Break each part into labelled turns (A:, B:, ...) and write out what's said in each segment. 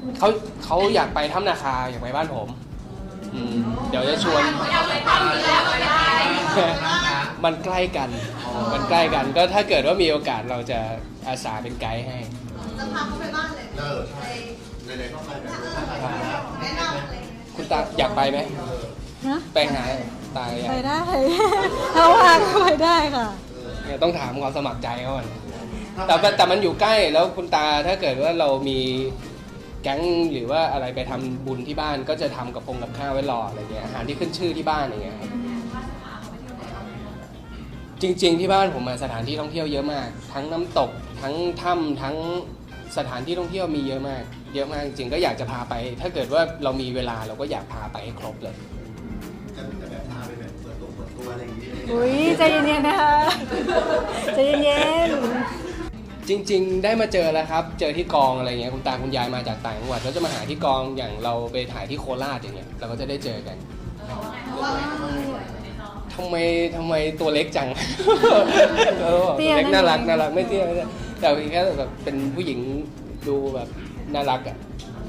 A: เขาเขาอยากไปถ้ำนาคาอยากไปบ้านผมเดี๋ยวจะชวนมันใกล้กันมันใกล้กันก็ถ้าเกิดว่ามีโอกาสเราจะอาสาเป็นไกด์ให้
B: จะพาเขาไปบ้านเลย
C: ใช่ในๆก็ไปแบบ
B: แนะนำเลย
A: คุณตาอยากไปไหม
D: นะ
A: ไปหาตาอยาก
D: ไปได้ถ้าว่างก็ไปได้ค่ะ
A: เนี่ยต้องถามความสมัครใจเขาก่อนแต่มันอยู่ใกล้แล้วคุณตาถ้าเกิดว่าเรามีแก๊งหรือว่าอะไรไปทำบุญที่บ้านก็จะทำกับข้าวไว้รออะไรเงี้ยอาหารที่ขึ้นชื่อที่บ้านอย่างเงี้ยครับจริงๆที่บ้านผมสถานที่ท่องเที่ยวเยอะมากทั้งน้ำตกทั้งถ้ำทั้งสถานที่ท่องเที่ยวมีเยอะมากจริงๆก็อยากจะพาไป ถ้าเกิดว่าเรามีเวลาเราก็อยากพาไปให้ครบเลย
C: จะแบบพาไปแบบเปิดตัวอะไรอย่างนี้
D: อุ้ยใจเย็นๆนะคะใจเย็น
A: จริงๆได้มาเจอแล้วครับเจอที่กองอะไรเงี้ยคุณตาคุณยายมาจากต่างจังหวัดแล้วจะมาหาที่กองอย่างเราไปถ่ายที่โคราชอย่างเงี้ยเราก็จะได้เจอกันทำไมตัวเล็กจังตัวเล็กน่ารักไม่เตี้ยแต่แค่แบบเป็นผู้หญิงดูแบบน่ารักอะ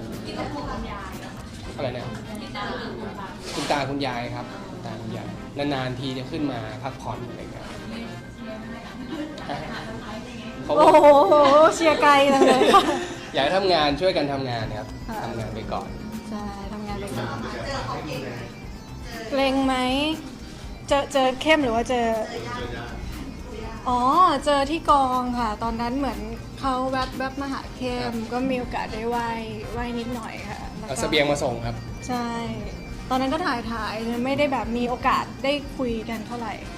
A: อะไรนะคุณตาคุณยายครับคุณตาคุณยายนานๆทีจะขึ้นมาพักผ่อนอะไรกัน
D: โอ้โหเชียร์ไกลจังเลยค่ะ
A: อยากให้ทำงานช่วยกันทำงานครับทำงานไปก่อน
D: ใช่ทำงานไปก่อนเกรงไหมเจอเข้มหรือว่าเจออ๋อเจอที่กองค่ะตอนนั้นเหมือนเขาแวบมาหาเข้มก็มีโอกาสได้ไหว้นิดหน่อยค่ะ
A: เอาเสบียงมาส่งครับ
D: ใช่ตอนนั้นก็ถ่ายไม่ได้แบบมีโอกาสได้คุยกันเท่าไหร่